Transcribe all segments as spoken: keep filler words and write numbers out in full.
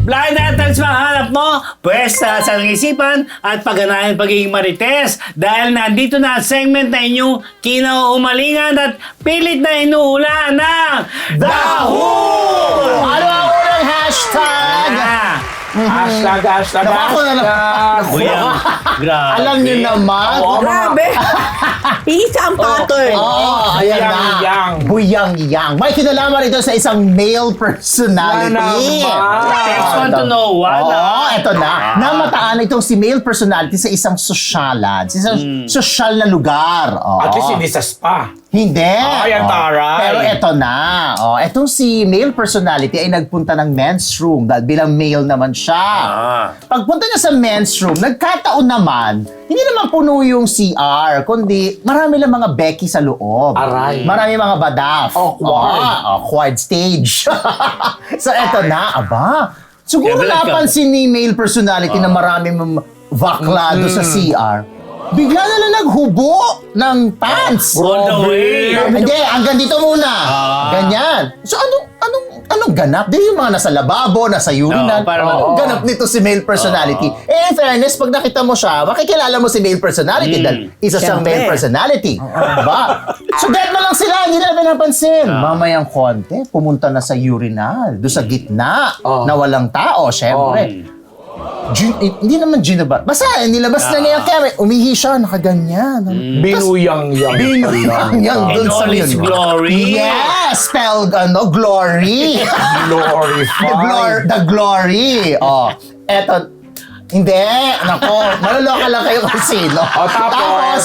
Blind items ba hanap mo? Pwes sa sa isipan at pagganahan pagiging marites dahil nandito na ang segment na inyong kinauumalingan at pilit na inuulan ng Daho! Ano ang unang hashtag? Ah, Hashtag, hashtag, Naku, ako na lang. hashtag. Buyang, grabe. Alam niyo naman. Oo. Grabe. Isa ang pattern. Oh, ayan na. Buyang-yang. Buyang-yang. May kinalaman ito sa isang male personality. Na naman. Text want to know what? Oo, ah? eto na. Namataan itong si male personality sa isang sosyalan, sa isang sosyal na lugar. Oo. At least hindi sa spa. Hindi. Ay, ang Oo. taray. Pero eto na. Oh, etong si male personality ay nagpunta ng men's room dahil bilang male naman siya. Ah. Pagpunta niya sa men's room, nagkataon naman, hindi naman puno yung C R, kundi marami lang mga Becky sa loob. Aray. Marami mga badaf. Awkward. Oh, awkward stage. So eto na, aba. Siguro Kaya balik ka. napansin ni male personality na maraming mam- baklado sa C R. Bigla na lang naghubo ng pants. All the way. Hindi, hanggang dito muna. Ah. Ganyan. So anong anong anong ganap? Di yung mga nasa lababo, nasa urinal. Oo, parang- Anong ganap nito si male personality? Eh, in fairness, pag nakita mo siya, makikilala mo si male personality dahil isa siyang Siyempre. male personality. Diba? So get mo lang sila, hindi na pinapansin. Mamayang konti, pumunta na sa urinal, doon sa gitna, Oo. na walang tao, syempre. Gin, eh, hindi naman ginaba. Basta, eh, nilabas na niya yung camera. Umihi siya, nakaganyan. Binuyang-yang. Binuyang doon In sa all its yun. glory. Yes! Spelled, ano, glory. Glorified. the, glor- the glory. Oh, eto. Hindi. Nako, maluloka lang kayo kung sino. O, tapos?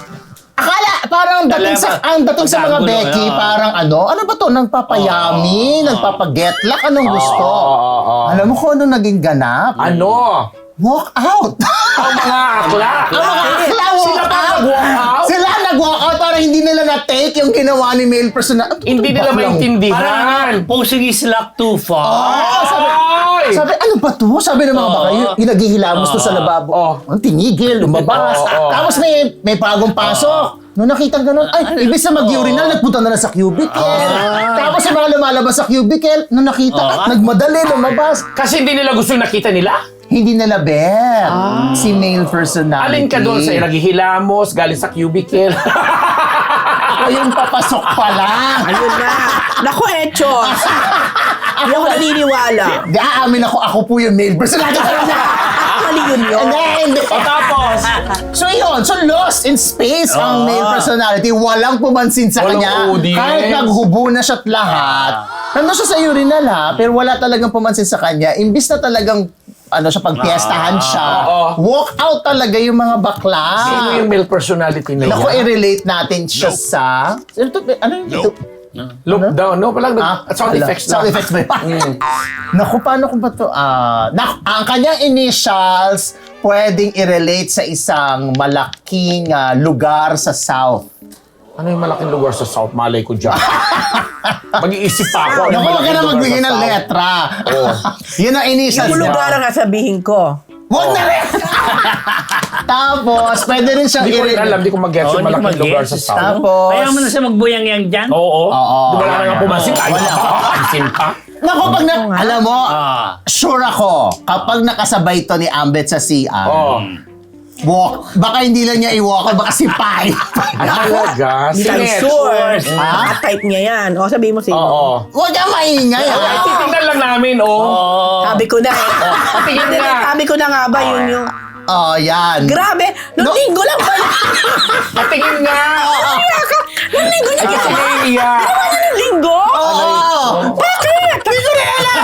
akala, parang dating sa, ang dating sa mga Magkagulo, Becky, ano. parang ano, ano ba to? Nagpapayami, nagpapagetlak, anong gusto? Oo, oo, oo. Alam mo kung ano naging ganap? Ano? Walk out. Ang mga akla. Ang mga akla, walk Sila pa out. nag-walk out? Sila nag-walk out para hindi nila na-take yung ginawa ni male personal. Hindi nila Baklang- maintindihan. Parang posing is locked too far. Oo, sabi, Ay! sabi, ano ba to? Sabi ng mga Oo. baka, yung, yung naghihilamos to sa lababo. Oo. Ang tinigil, lumabas. Oo, oo. Tapos may, may bagong pasok. Nung nakita ganun, ay, ibig sa mag-urinal, nagpunta na lang sa cubicle. Tapos yung mga lumalabas sa cubicle, nung nakita, Oo. nagmadali, lumabas. Kasi hindi nila gusto yung nakita nila. Hindi na labet. Si male personality. Alin ka doon sa naghihilamos, galing sa cubicle. O yung papasok pa lang. Ayun na. Naku, Echos. Hindi ako naniniwala. Di, aamin ako, ako po yung male personality. Actually, yun yun. Hindi, hindi. O tapos, So yun, so lost in space ang Oo. male personality. Walang pumansin sa Walang kanya. audience. Kahit naghubo na siya't lahat. Nandun siya sa urinal ha, pero wala talagang pumansin sa kanya. Imbis na talagang ano siya, pagpiestahan siya, Oo. walk out talaga yung mga bakla. sino yung male personality na Naku, yan? i-relate natin siya sa... Ano to? Ano yung ito? Look down, no? Palang Ah, nag- sound ala, effects Sound lang. effects ba yun? Naku, paano ko ba ito? Ah, nak- ang kanyang initials pwedeng i-relate sa isang malaking ah, lugar sa South. Ano yung malaking lugar sa South? Malay ko dyan. Mag-iisip pa ako. Naku, wag ka na magbigay ng letra. Yun ang initials Yung niya. lugar ang sasabihin ko. Wag na rin! Tapos, pwede rin siyang Hindi ko rin i-relate. alam, di ko mag-get Oo, yung hindi ko malaking lugar mag-gets. sa South. Tapos, Kaya mo na siya magbuyang-yang dyan? Oo. Oo. Di wala nga pumasin. Ayaw Wala. pa. Pansin pa. naku, pag na, alam mo, Ah. sure ako, kapag nakasabay to ni Ambet sa C R, Oo. walk, baka hindi lang niya i-walk, baka si Pai. Ay, talaga? Hindi Sino? tayo sure. Ah? Type niya yan. O, sabihin mo sino. Oo. Huwag kang maingay. Ay, ha? titignan lang namin, oh. Oo. Sabi ko na eh. Patingin Hindi, na. Sabi ko na nga ba yun yung... Oh, yan. Grabe! Nung No. linggo lang pala. Patingin nga. Kaya ka. Nung linggo niya Ay, ginawa. sige, iya. Ginawa niya nung linggo? Oo. Bakit? Hindi ko rin alam.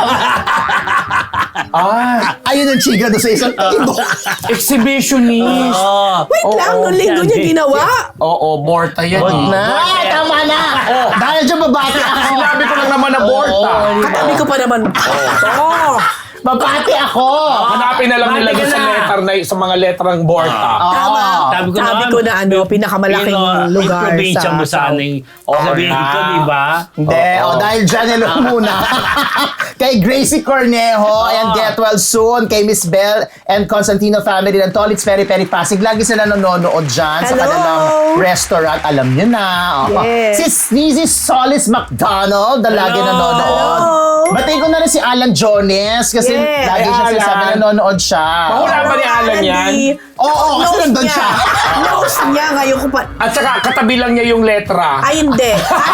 Ah, Ayun ang chika doon sa isang table. exhibitionist. Oo. Wait Oo, lang, nung linggo niya yan. ginawa. Oo, Morta yan. eh. Na, tama na. Dahil dyan babati ako. Sinabi ko lang naman na Morta. Katabi ko pa naman. Oo. Babati ako. Hanapin na lang nila Bati ka doon sa na. letter na sa mga letrang Borta. Tama. Sabi ko Sabi naman, ko na ano, pinakamalaking Yung, uh, lugar yung probinsya sa mo sa South. aning Oo sabihin na. ko, di ba? Hindi, Oo. oh, dahil dyan nilo muna. Kay Gracie Cornejo, and get well soon. Kay Miss Bell and Constantino family ng Tolits Peri Peri Pasig. Lagi sila nanonood dyan sa Hello. kanilang restaurant. Alam nyo na. Oh. Yes. Si Sneezy Solis McDonald, na lagi Hello. nanonood. Hello. Batiin ko na rin si Alan Jones kasi Yes. lagi Ay, siya Alan. sinasabi na nanonood siya. Mahula ba ni Alan yan? Oo, kasi nandun siya. Nose niya ngayon ko pa. At saka katabi lang niya yung letra. Ay, hindi.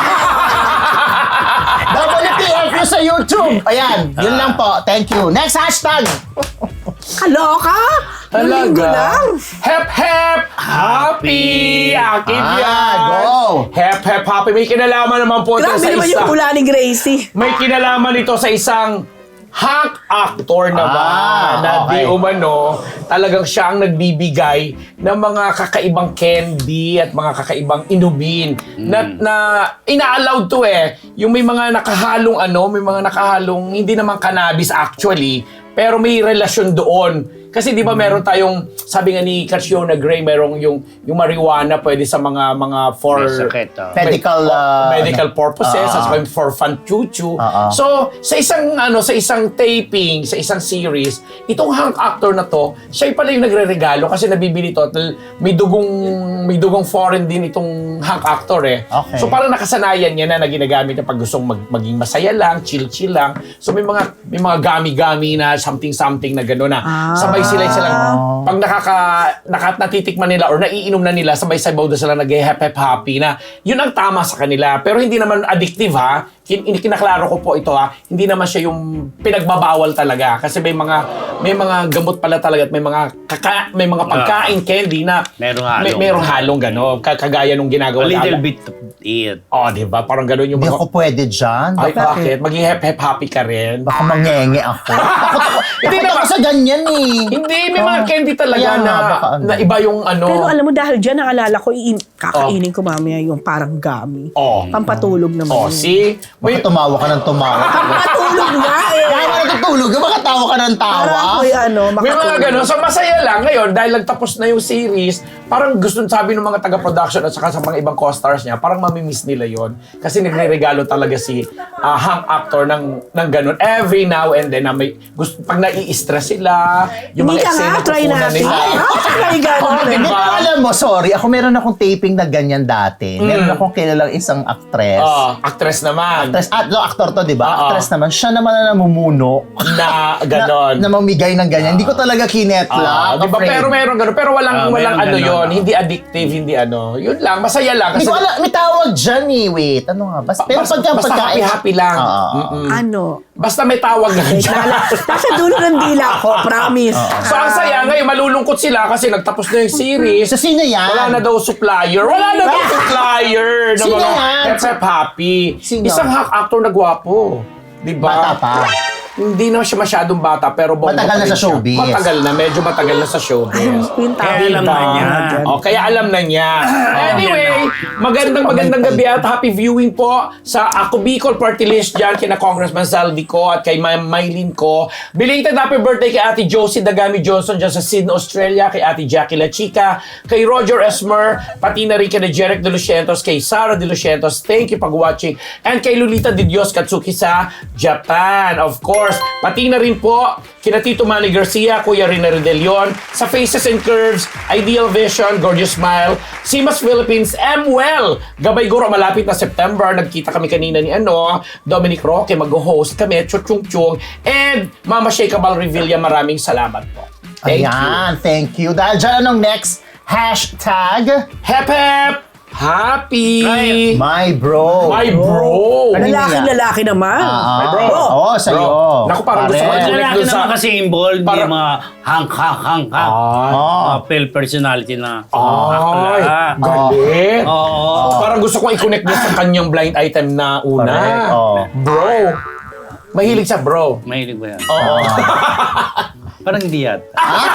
W T F U sa YouTube. Ayan, yun lang po. Thank you. Next hashtag. Kaloka? Yung linggo lang. Hep, hep, happy! Akin Ah, yan! go. Hep, hep, happy. May kinalaman naman po ito Grabe sa naman isa. yung hula ni Gracie. May kinalaman ito sa isang hunk actor naman Ah, na okay. di umano, talagang siya ang nagbibigay ng mga kakaibang candy at mga kakaibang inumin na, na ina-allowed to eh. Yung may mga nakahalong ano, may mga nakahalong hindi naman cannabis actually, pero may relasyon doon. Kasi di ba meron tayong, sabi nga ni Catriona Gray, merong yung, yung marijuana pwede sa mga mga for May sakit, oh. Medical, Oh, uh, medical purposes, Ah, at saka for fun chuchu. Ah, ah. So, sa isang ano, sa isang taping, sa isang series, itong hunk actor na to, siya pala yung nagreregalo kasi nabibili to at may dugong may dugong foreign din itong hunk actor eh. Okay. So parang nakasanayan niya na na ginagamit niya pag gustong mag, maging masaya lang, chill-chill lang. So may mga may mga gami-gami na something-something na gano'n na. Ah. Sabay sila silang pag nakaka, naka, natitikman nila or naiinom na nila, sabay-sabaw na sila nag-hep-hep happy na yun ang tama sa kanila. Pero hindi naman addictive ha. Kin kinaklaro ko po ito ha. Hindi naman siya yung pinagbabawal talaga kasi may mga may mga gamot pala talaga at may mga kaka, may mga pagkain candy na Merong halong. may, merong halong gano'n. Kagaya nung A ginagawa little na- bit of it. Oh, di ba? Parang gano'n yung Hindi mga... ako pwede dyan. Ay, Bakit? bakit? Mag-hep-hep happy ka rin. Baka mangenge ako. Takot ako, Hindi takot ako naman. sa ganyan eh. Hindi, may mga Ah, candy talaga kaya na, nga, baka ano. na iba yung ano. Pero alam mo, dahil dyan, naalala ko, iin- kakainin ko mamaya yung parang gummy. Oh. Pampatulog naman. Oh, yun. see? Baka May, tumawa ka ng tumawa. Pampatulog nga eh. Kaya ka natutulog, baka tawa ka ng tawa. Para ako'y ano, may mga makatulog. gano'n. So, masaya lang ngayon dahil nagtapos na yung series. Parang gusto sabi ng mga taga-production at saka sa mga ibang co-stars niya, parang mamimiss nila yon kasi nagre-regalo talaga si uh, hunk actor ng, ng gano'n every now and then na may gusto, pag nai-stress sila, yung Hindi mga ka nga, eksena try kukunan natin. nila. Ah, try gano'n. Oh, Hindi, diba? pero alam mo, sorry, ako meron akong taping na ganyan dati. Meron akong kilalang isang actress. Oh, actress naman. Actress, ah, no, actor to, di ba? Oo. Actress naman. Siya naman na namumuno. Na gano'n. Na, na mamigay ng ganyan. Hindi ko talaga kinetla. Ah, di ba? afraid. Pero meron gano'n. Pero walang, Ah, walang meron ano ganun, yon ah. hindi addictive, hindi ano. Yun lang, masaya lang. Hindi Kasi, ko alam, may tawag dyan eh. Wait, ano nga? Basta, pero basta, pagka, basta pagka, happy-happy lang. Oo. Mm-mm. Ano? Basta may tawag lang Wait, dyan. nala- Nasa dulo ng dila ko, promise. So, ang saya ngayon, malulungkot sila kasi nagtapos na yung series. So, sino yan? Wala na daw supplier. Wala na daw supplier na Sino mga yan? Hep-hep happy. Sino? Isang hack actor na gwapo. Di ba? Bata pa. Hindi na siya masyadong bata, pero bongga Matagal pa na rin sa siya. showbiz. Matagal na, medyo matagal na sa showbiz. Yung tawag. Kaya alam na niya. Oh, kaya alam na niya. Anyway, magandang magandang gabi at happy viewing po sa Ako Bicol Party List dyan kina Congressman Saldi ko at kay Ma'am Maylin ko. Belated happy birthday kay Ate Josie Dagami Johnson dyan sa Sydney, Australia, kay Ate Jackie La Chica, kay Roger Esmer, pati na rin kay Jeric De Lucientos, kay Sarah De Lucientos, thank you pag watching, and kay Lolita De Dios Katsuki sa Japan, of course. Pati na rin po kina Tito Manny Garcia, Kuya Rina Redelion, sa Faces and Curves, Ideal Vision, Gorgeous Smile, Simas Philippines, M Well, Gabay Guro, malapit na September, nagkita kami kanina ni ano, Dominic Roque, mag-host kami, Chuchung Chung, and Mama Sheikha Bal Revilla, maraming salamat po. Thank you. Ayan, thank you. Dahil dyan, anong next? Hashtag, Hep hep! Happy! Right. my bro. My bro! Ano Lalaking niya? lalaki naman. Ah, My bro. Oo, sa'yo. Bro. Naku, parang gusto ko Pare. i-connect Lalaki dun sa- naman kasi involved, Para- yung mga hang-hang-hang-hang. Ay, Oh. Mga fail personality na. ay, Akla. galing. Oo. Parang gusto kong i-connect niya sa kanyang blind item na una. Correct. Oh. Bro. Mahilig sa bro. Mahilig ba yan? Oo. Parang hindi yata.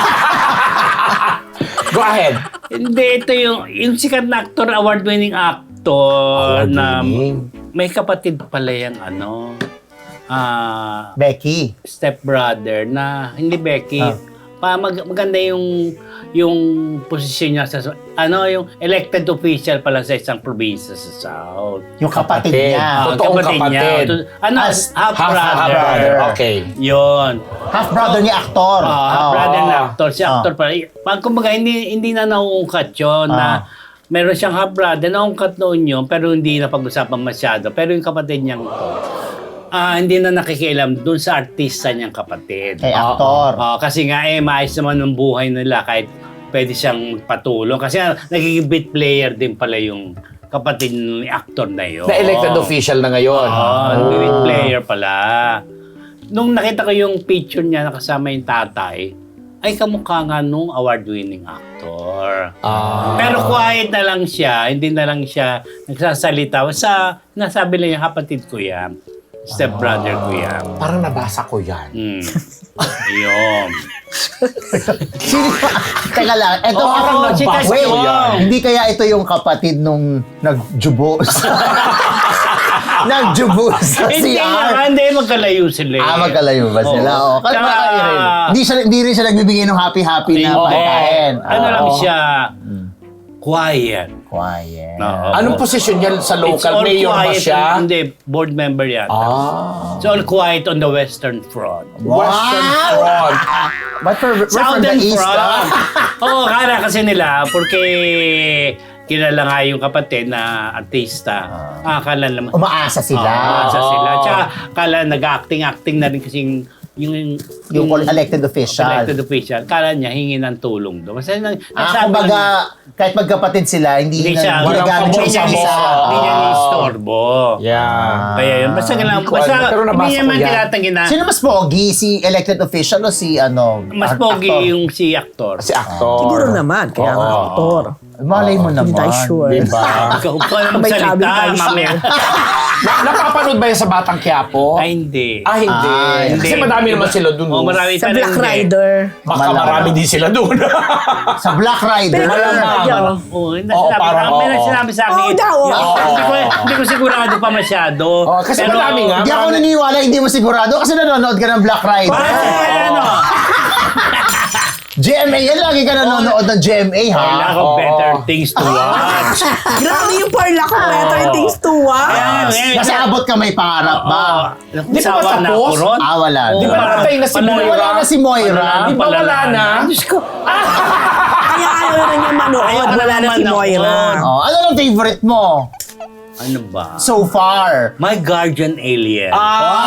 Go ahead. Hindi, ito yung, yung sikat na actor, award-winning actor na Award-winning. may kapatid pala yung ano, ah, Becky. stepbrother na, hindi Becky, Ah. pa mag, maganda yung yung posisyon niya sa, ano, yung elected official pala sa isang probinsya sa South. Yung kapatid, Kapatid. niya. Ah, Totoong kapatid. niya. To- Ano, As- half, Half brother. brother. Okay. Yun. Half-brother ni aktor. Ah, half Oo. brother na actor. Si Ah. actor pala. Pag kumbaga, hindi, hindi na nauungkat yun Ah. na meron siyang half brother, naungkat noon yun, pero hindi na pag-usapan masyado. Pero yung kapatid niyang to, ah, hindi na nakikialam dun sa artista niyang kapatid. Kay aktor. Oh, kasi nga eh, maayos naman ng buhay nila kahit pwede siyang magpatulong. Kasi ah, nagiging beat player din pala yung kapatid ni actor na yun. Na elected official na ngayon. Oo, oh, beat player pala. Nung nakita ko yung picture niya nakasama yung tatay, ay kamukha nga nung award-winning actor. Ah. Pero quiet na lang siya, hindi na lang siya nagsasalita. Sa, nasabi lang yung kapatid ko yan, stepbrother ko yan. Parang nabasa ko yan. Hmm. Ayun. Sino pa? Teka lang, eto Oo, parang si nagba- Casio Wait, yan. hindi kaya ito yung kapatid nung nagjubo sa... nagjubo sa Hindi C R? naman, hindi magkalayo sila. eh. Ah, magkalayo ba sila? Oo. Oo. Kasi Tsaka- baka rin. Hindi, siya, hindi rin siya nagbibigay ng happy-happy na Hindi. pagkain. Ano lang Oo. siya, quiet. Quiet. Oo. Anong posisyon niya sa It's local? all Mayor ba quiet. siya? Hindi, board member yan. Ah. It's all quiet on the Western Front. Western Wow! Front. But for, we're from the Southern East, Front. ah. Oo, kala kasi nila, porque kilala nga yung kapatid na artista. Ah, kala naman. Umaasa sila. Ah, sa Oo. sila. Tsaka kala nag-acting-acting na rin kasing yung Yung elected official. elected official. Kala niya hingi ng tulong doon. Kasi nang, Ah, nagsabi kumbaga, lang- kahit magkapatid sila, hindi, hindi na, siya, ginagamit walang siya hindi niya, isa. pabor-sabor. hindi niya Ah. ni-istorbo. Yeah. Kaya yun, basta kailangan, Hindi ko basta alam, pero nabasa hindi ko naman yan. tinatanggi na, Sino mas pogi? Si elected official o si ano? mas art- pogi actor? yung si actor. Si actor. Siguro naman, kaya nga Oo. aktor. Malay mo naman. Hindi tayo sure. Diba? Ikaw pa na May sabi magsalita, tayo mamaya. Na- napapanood ba yan sa Batang Quiapo? Ay, hindi. Ah, hindi. Ah, hindi. Kasi madami naman sila dun. Oh, no? marami Sa pa rin Black hindi. Rider. Baka Malamang. marami din sila dun. Sa Black Rider. Pero- Malamang. Yo. Oo, Oo, nasabi, parang may oo. nagsasabi sa akin. Oo daw, oo. Yung- Hindi ko, hindi ko sigurado pa masyado. Oh, kasi Pero- madami nga. Hindi ako Marami- naniniwala, hindi mo sigurado kasi nanonood ka ng Black Rider. Ah, ano? G M A, yan lagi ka nanonood ng G M A, ha? Wala ko Oo. better things to watch. Grabe yung parla ko, better things to watch. Kaya, eh, Nasa abot ka may pangarap ba? Oo. Di ba Sawa na tapos? ako ron. Ah, wala. Oo, Di ba wala. namatay na si Wala- Moira? Wala na si Moira. Di ba wala na? Diyos ko. Kaya ayaw na niya manood, Ayaw wala na naman si ako. Moira. Oh, ano ang favorite mo Ano ba? so far? My Guardian Alien.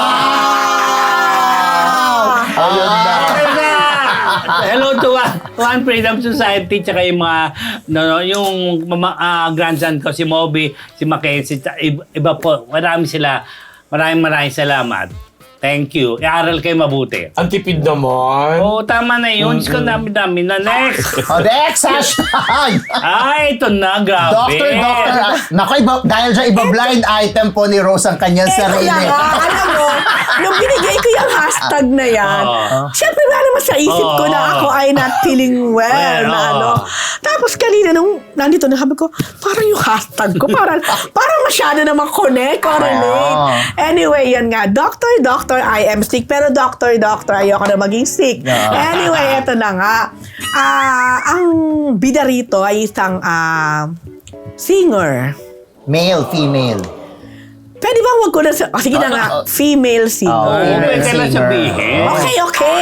Ah! Ayun na. Ayun na! Hello to One, One Freedom Society tsaka yung mga no, no, yung mama, ah, grandson ko si Moby, si Mackenzie, tsa- iba, iba po. Marami sila. Maraming maraming salamat. Thank you. Iaral kayo mabuti. Ang tipid naman. Oo, tama na yun. Diyos ko, dami-dami na. Next! Oh, next hashtag! Ay, ito na. Grabe. Doctor, doctor. ah, Naku, iba, dahil dyan, iba blind item po ni Rose ang kanyang Eto sarili. na nga, alam mo, nung binigay ko yung hashtag na yan, Oo. syempre wala naman sa isip ko na Oo. ako ay not feeling well, Well, na oo. ano. Tapos kanina nung nandito na sabi ko, parang yung hashtag ko, parang, parang masyado naman connect or relate. Oo. Anyway, yan nga, doctor, doctor, I am sick. Pero doctor, doctor, ayoko na maging sick. Oo. Anyway, eto na nga. Ah, ang bida rito ay isang ah, singer. Male, female. Pwede ba wag ko na sa... Oh, sige na nga. Ah, ah, Female singer. ah, Oo, female pwede lang singer. sabihin. Okay, okay.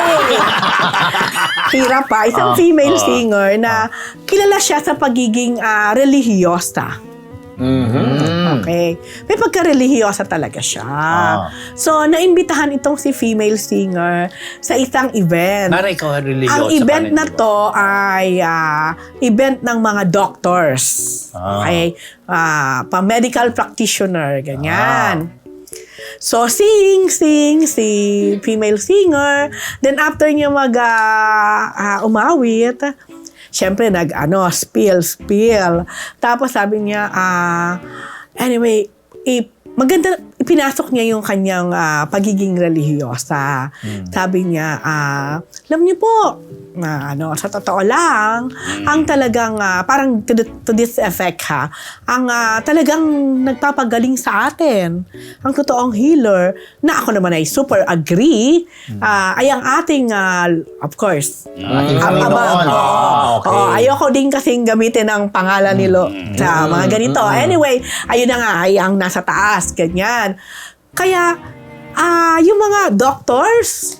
Hirap pa. Isang Ah, female ah. singer na kilala siya sa pagiging ah, relihiyosa. Mhm. Okay. May pagka-relihiyosa talaga siya. Ah. So, naimbitahan itong si female singer sa isang event. Para ikaw religyoso Ang ka event rin, na di ba? to ay ah, event ng mga doctors. Ah. Okay? Ah, pa-medical practitioner, ganyan. So, sing, sing, si female singer. Then, after niya mag ah, ah, umawit, syempre, nag, ano, spill, spill. Tapos, sabi niya, ah, anyway, i- maganda, ipinasok niya yung kanyang ah, pagiging relihiyosa. Sabi niya, ah, alam niyo po, na ano, sa totoo lang, ang talagang, ah, parang to, th- to this effect ha, ang ah, talagang nagpapagaling sa atin, ang totoong healer, na ako naman ay super agree, ah, ay ang ating, ah, of course, Ating Am- Panginoon. ama- oo. Ah, okay. Oo, ayoko din kasing gamitin ang pangalan nilo sa mga ganito. Anyway, ayun na nga, ay ang nasa taas, ganyan. Kaya, ah yung mga doctors,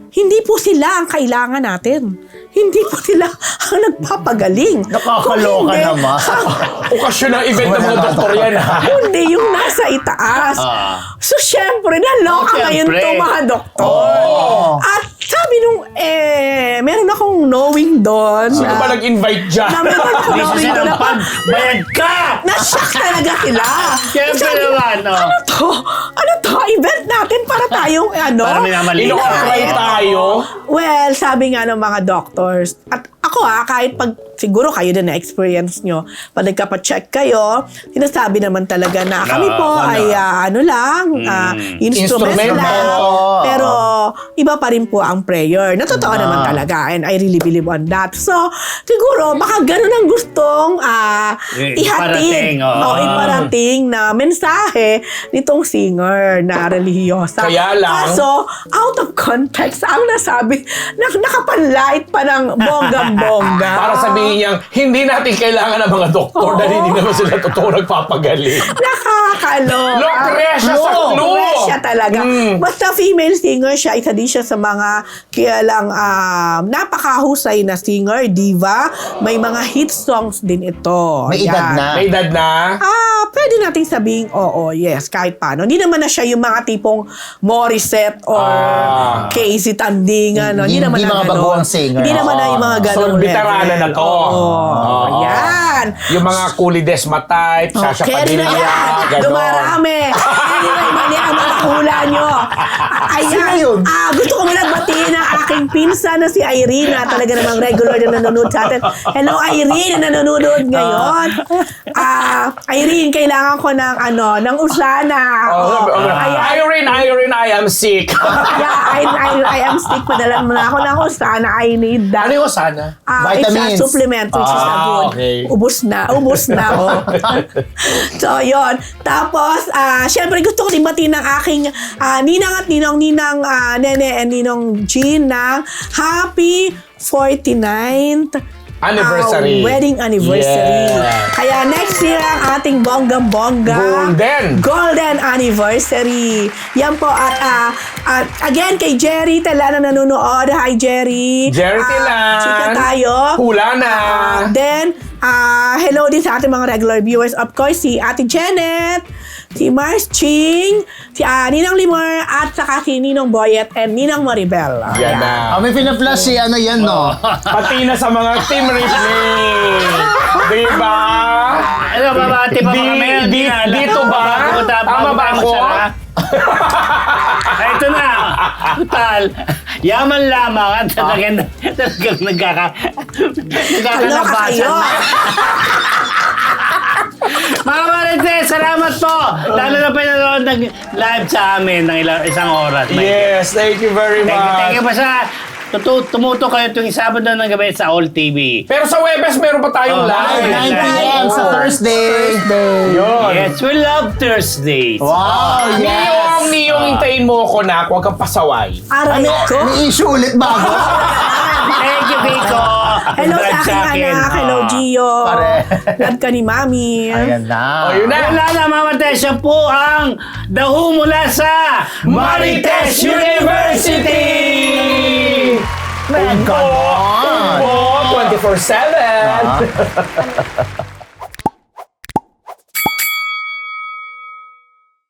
hindi po sila ang kailangan natin. Hindi po sila ang nagpapagaling. Nakakaloka Kung hindi, naman. Okasyon ng event ng mga doktor yan, ha? Kundi yung nasa itaas. Ah. So, syempre, naloka Oh, ngayon syempre. itong mga doktor. At sabi nung, eh, meron akong knowing doon. Sino na- ba nag-invite dyan? na meron akong Hindi knowing siya doon na ng pag, bayad ka! na-shock talaga sila. Siyempre Sabi, naman, no? Ano to? Ano to? Event natin para tayong, ano? Para minamali. Ino-apply tayo? Well, sabi nga ng mga doctors, at ako ha, kahit pag siguro kayo din na-experience nyo, pag nagkapacheck kayo, sinasabi naman talaga na kami po ano? ay ah, ano lang, ah, instrument Instrument lang. lang. Pero iba pa rin po ang prayer. Na totoo naman talaga and I really believe on that. So, siguro, baka ganun ang gustong ah, I- ihatid iparating, oo. o iparating na mensahe nitong singer na relihiyosa. Kaya lang- Kaso, out of context, ang nasabi, nak nakapanlight pa ng bonggang-bongga. Para sabihin niyang, hindi natin kailangan ng mga doktor dahil hindi naman sila totoo nagpapagaling. Nakakaloka. Lucretia sa clue. Lucretia talaga. Mm. Basta female singer siya, isa din siya sa mga kaya lang um, napakahusay na singer, diva. May mga hit songs din ito. May edad Yan. na. May edad na. Ah, pwede nating sabing oo, yes, kahit paano. Hindi naman na siya yung mga tipong Morissette or Ah. Casey Tandingan. No? Hindi Hindi- naman hindi na mga ganon. baguhang singer. Hindi naman na yung mga So, ganong veterana na to. Oo, Oo. yan. Yung mga Culi Desma type, Sasha Okay, Padilla, na yan. ganon. Dumarami. Anyway, mali ang mga hula nyo. Ayan. Sino yun? Ah, gusto ko muna batiin ang aking pinsan na si Irene na talaga namang regular na nanonood sa atin. Hello, Irene na nanonood ngayon. Ah, Irene, kailangan ko ng ano, ng usana. Oh, Oh, ayan. Irene, Irene, I am sick. Yeah, I, I, I am sick. Padala mo na ako ng usana. I need that. Ano yung sana? Ah, it's a Vitamins. supplement which is a Ah, good. okay. Ubus na. Ubus na. Oh. So, yon. Tapos, ah, syempre gusto ko din batiin ng aking ah, ninang at ninong, ninang ah, Nene and ninong Jean ng happy forty-ninth Anniversary. ah, wedding anniversary. Yeah. Kaya next year ang ating bonggang-bongga. Golden. Golden anniversary. Yan po. At, ah, at again, kay Jerry Tela na nanonood. Hi, Jerry. Jerry Ah, Telan. chika tayo. Hula na. Ah, then, ah, hello din sa ating mga regular viewers. Of course, si Ate Janet, si Mars Ching, si ah, Ninang Limor, at saka si Ninong Boyet and Ninang Maribel. Yan na. Ah, may pinaflash si ano yan, no? Pati na sa mga Team Ripley. Diba? Ano, babati pa ba Di- kami? di- Hindi na alam. dito ba? Bago tayo- Tama bago ba tayo ako? magsara. Ay, ito na. Total. Yaman lamang at talagang talagang nagkaka... Kaloka Nagkakalabasan kayo. na. Mga Marites, salamat po. Lalo na pinanood ng live sa amin ng ilang, isang oras. Yes, thank you very Thank you, thank you much. pa sa tutu- tumuto kayo tuwing Sabado ng gabi sa All T V. Pero sa Webes, meron pa tayong Oh, live. nine p m sa Oh. Thursday. Yun. Yes, we love Thursdays. Wow, Niyong, yes. niyong hintayin mo ko na, huwag kang pasaway. Aray May, ko. may issue ulit bago. Thank you, Vico. Hello sa aking anak. Hello, Ah. Gio. Pare. Love ka ni Mami. Ayan na. O, yun na. Wala na, Mama Tess. Siya po ang dahu mula sa Marites University! May Tumbo! ganon. Tumbo! twenty-four seven!